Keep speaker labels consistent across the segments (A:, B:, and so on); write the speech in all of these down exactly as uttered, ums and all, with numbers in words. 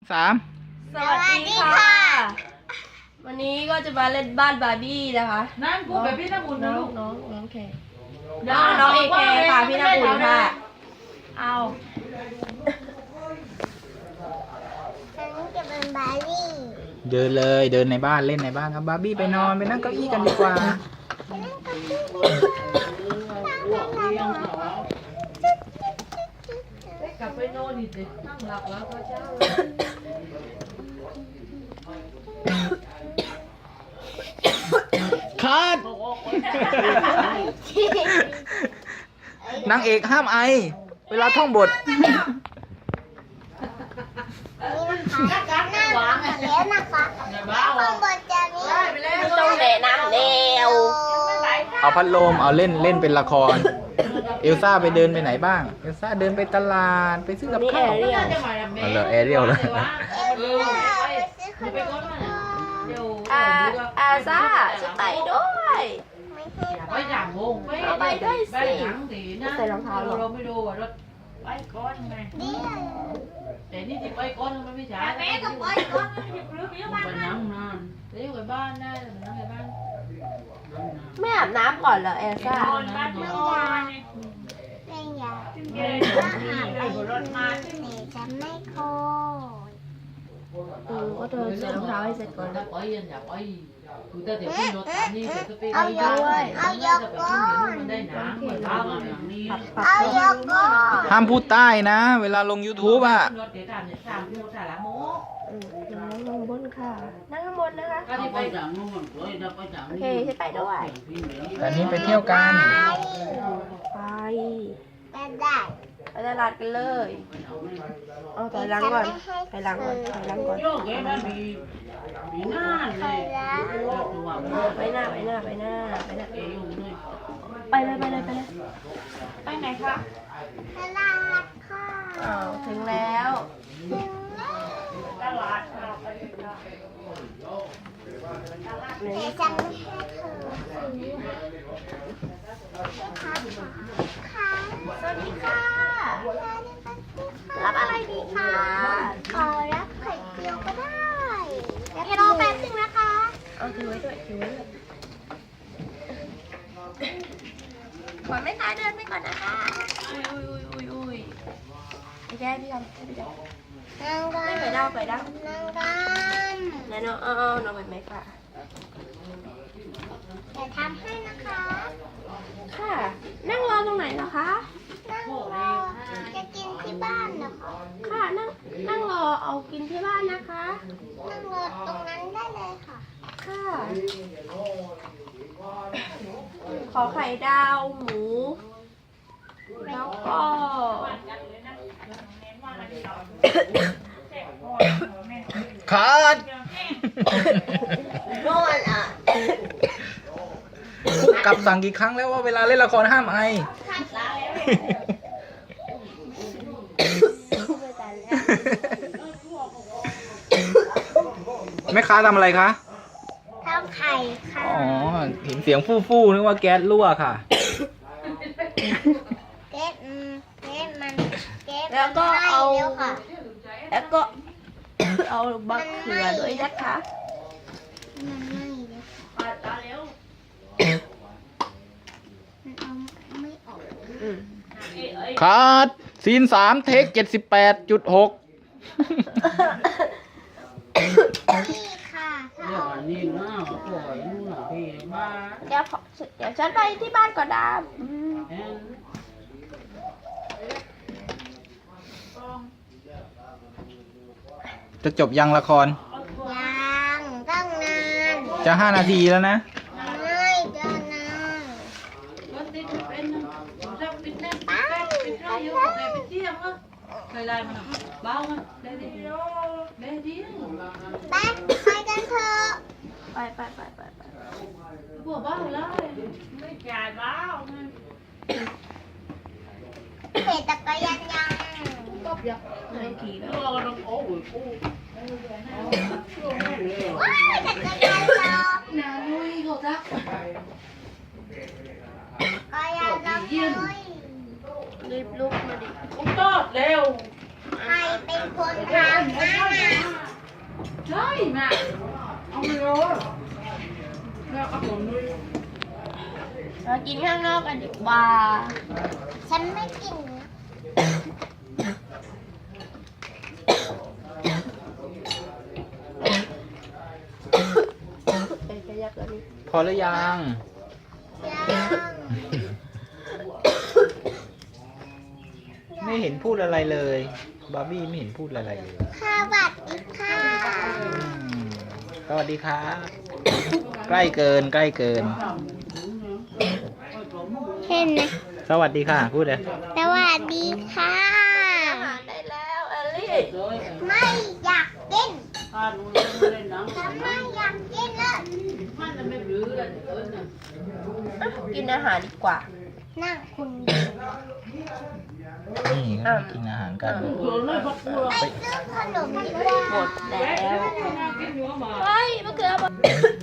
A: สาม
B: สวัสดีค่ะวันนี้ก็จะมาเล่นบ้านบาร์บี้นะคะ
C: นั่นกูแบบพี่น้ำอุ่นนะลูก
B: น้องน้องแคร์น้องเอแคร์ค่ะพี่น้ำอุ่นค่ะเอา
D: ฉันจะเป็นบาร์บี้
A: เดินเลยเดินในบ้านเล่นในบ้านครับบาร์บี้ไปนอนไปนั่งเก้าอี้กันดีกว่า
C: กลับไปนอนดิเด็กนั่งหลับแล้วก็เช้า
A: คัดนางเอกห้ามไอเวลาท่องบท
D: วางแล้วนะคะข้างบนจะมี
B: ไม่ต้องแนะนำแนว
A: เอาพัดลมเอาเล่นเล่นเป็นละครเอลซ่าไปเดินไปไหนบ้างเอลซ่าเดินไปตลาดไปซื้อกับข้าวอ๋อเหรอแอเรียลแล้ว
C: เออไปก่อนนะเดี๋ยว
B: อาอาซ่าจะไปด้วย
C: ไปอย่างงงไปไปด้วยสิไปหนังดีนะเราไม่ดูว่ารถไปก่อนไงแต่นี่ที่ไปก่อนมันไม่ใช่แม่ก็ไปก่อนไปนั่งนานเดี๋ยวไปบ้านได้ไปนั่งไปบ้าน
B: ไม่อาบน้ำก่อนเหรอเอลซ่า
D: ไม่อยากไม่อยากอาบไปรถมาแต่จะไม่โคย
B: เออก็เธอใส่รองเท้าให้เสร็จก่อน
C: ถ้าไปยันอย่าไปคือถ้าเดี๋ยวขึ้นรถนี่เดี๋ยวจะไป
D: เอายกเอายกก่อน
C: มันได้หนังเหมือนเราอย่างนี้
D: เอายกก่อน
A: ห้ามพูดใต้นะ เวลาลง ยูทูบ อ่ะ
C: รถเดี๋ยวตามเนี่ยตามที่รถแต่ละโม
B: นั่งข้างบนค่ะนั่งข้างบนนะคะ
C: ก็ที่ไปจากนู่นเลยเราไปจาก
B: โอเคจะไปด้วย
A: อันนี้ไปเที่ยวกัน
B: ไป
D: ไปได้
B: ไปตลาดกันเลยเอาถอยหลังก่อนถอยหลังก่อนถอยหลังก่อน
C: โยกแกมันมีมีหน้าเลยตัว
B: ไปหน้าไปหน้าไปหน้าไปหน้า
C: เอวเลย
B: ไปเลยไปเลยไปเลยไปไหนคะ
D: ตลาดค่ะ
B: อ้าวถึงแล้ว
D: ถึงแล้ว
C: ตลาด
D: แต่จะไม่ให้เธอซื้อค่ะค่ะ
B: สวัสดีค่ะ
D: รั
B: รับอะไรดีคะ
D: ขอรับไข่เจียวก็ได้แล้วรอแป๊บนึงนะคะ
B: เอาถือไว้ด้วยถือไว้ด้วยก่อนไม่ขายเดินไปก่อนนะคะอุ้ยอุ้ยอุ้ยอุ้ยอุ้ยไปแก้พี่ทำไปแก้
D: นั่งกัน
B: ไม่ไปได้ไปได้
D: นั่งกัน
B: ไหนน้องเอาเอาน้องไปไหมค่ะ
D: แต่ทำให้นะคะ
B: ค่ะ นั่งรอตรงไหนเหรอคะ
D: นั่งรอจะกินที่บ้านนะคะ
B: ค่ะนั่งนั่งรอเอากินที่บ้านนะคะ
D: นั่งรอตรงนั้นได้เลยค่ะ
B: ค่ะขอไข่ดาวหมูแล้วก็
A: คัด
B: นอนอ่ะ
A: ผู้กำกับสั่งกี่ครั้งแล้วว่าเวลาเล่นละครห้ามไอ แม่ค้าทำอะไรคะ
D: ทำไข่ค่ะ
A: อ๋อเห็นเสียงฟู่ฟู่นึกว่าแก๊สรั่วค่ะ
D: เก๊อืมเก๊มันเก๊
B: แล้วก็เอา
D: แล้วค่ะ
B: แล้วก็ เอาบะเขือด้วยนะคะ
D: มันไม่เลยค่ะ
C: ตาเร็ว
D: มันเอาไม่ออก
B: อืม
A: คัดซีนสามเทคเจ็ดสิบแปดจุดหก
D: นี่ค่ะถ้า
C: เดี๋ยว
D: เอา
C: อันนี้นะปล่อยนู่นน่ะพี่บ้า
B: เดี๋ยวขอเดี๋ยวฉันไปที่บ้านก่อนนะอืม
C: เอ็น
A: จะจบยังละคร
D: ยังตั้งนาน
A: จะห้านาทีแล้วนะ
D: ไม่เดินนาน
C: รถติดเป็นผมจะปิดแน่ปิดแน่ปิดแน่อยู่กับแกไปเที่ยงอ่ะเคยไล่มันเบามันได้ดีได้ดี
D: ไปไปกันเถอะ
B: ไปไปไปไปไป
C: พวกบ้าเลยไม่จ่ายบ้า
D: เห็นจักรยานยัง
C: ก็อยาก
B: ไม่ขี่แล้ว
C: เราต้องโอ้ยโอ้ย
D: ว้ายจักรยานเรา
C: นาลุยเขาทัก
D: จักรยานเราเลย
B: รีบลุกมาดิ
C: ผมตอดเร็ว
D: ใครเป็นคนทำนะ
C: ใช่แม่เอาไม่รู้แล้วก็ผมด้วย
B: มากินข้างนอกกันดีกว่า
D: ฉันไม่กินนะ
B: ไปขยับแล้วนี่
A: พอหรือยัง
D: ยัง
A: ไม่เห็นพูดอะไรเลย บาร์บี้ไม่เห็นพูดอะไรเลย
D: สวัสดีค่ะ
A: อืมสวัสดีครับ ใกล้เกินใกล้เกิน
D: เห็นไหม
A: สวัสดีค่ะ พูดเลย
D: สวัสดีค่ะ
B: อาหารได้แล้วเอลลี่
D: ไม่อยากกิน
C: ถ้าดูเล่นไม่เล่นหนัง
D: ฉันไม่อยากกินเลย
C: มันจะไม่รื้อเลยเอิญน่ะ
B: อ่ะกินอาหารดีกว่า
D: นั่งคุณ
A: นี่ก็กินอาหารกัน
C: โดนเลยพักตัว
D: ไปซื้อขนมดีกว่า
B: หมดแล้ว
C: กินหัวหมา
B: เฮ้ยมะเขือบอก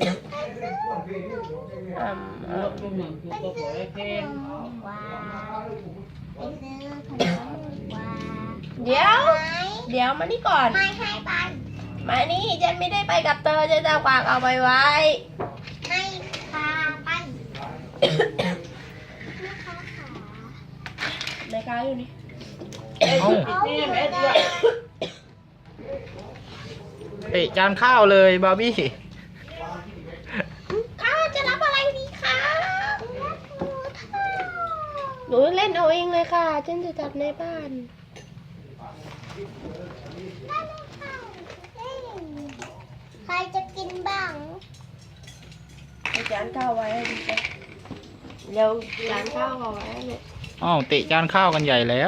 B: อืม
C: เออเป็นเหมือนคือตัวปล่อยเพลง
D: ว้าวไปซื้อขนมดีกว่า
B: เดี๋ยว
D: ไหม
B: เดี๋ยวมานี่ก่อน
D: ไม่ให้ไป
B: มานี่ฉันไม่ได้ไปกับเธอฉันจะฝากเอาไปไว้
D: ให้พาไปแม่ค้าขา
B: ในค้าอยู่นี่
A: เอ้า
C: นี่แม่ตัว
A: เตะจานข้าวเลยบาร์บี้
B: ข้าจะรับอะไรดีคะหนูเล่นเอาเองเลยค่ะฉันจะจัดในบ้าน
D: ใครจะกินบ้าง
B: เอาจานข้าวไว้ให้ดีจ้ะเร็วจานข้าวเอาไว้ให้ลูก
A: อ้าวเตะจานข้าวกันใหญ่แล้ว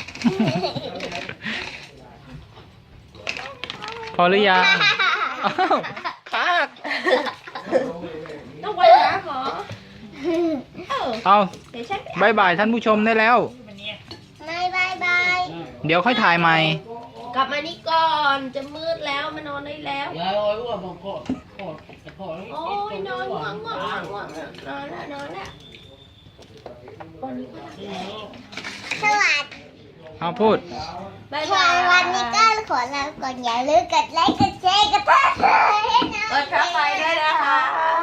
A: พอหรือยังอ้าวคาก
B: ต้องไปหาหมอเออ
A: เอา
B: เดี๋ยวฉันไป
A: บายบายท่านผู้ชมได้แล้ว
D: ไม่บายบาย
A: เดี๋ยวค่อยถ่ายใหม่
B: กลับมานี่ก่อนจะมืดแล้วมานอนได้แล้ว
C: ยายอ้อยว่าบางคนกอดกอด
B: โอ้ยนอนง่วงง่วงง่วงง่วงนอนแล้วนอนแล้ววันนี้ก็
D: สวัสดี
A: เอาพูด
B: บาย
D: ค่ะ
B: บาย
D: วันนี้ก็ขอลาก่อนอย่าลืมกดไลค์กดแชร์กดติดตามให้นะ
B: กดเข้าไปด้วยนะคะ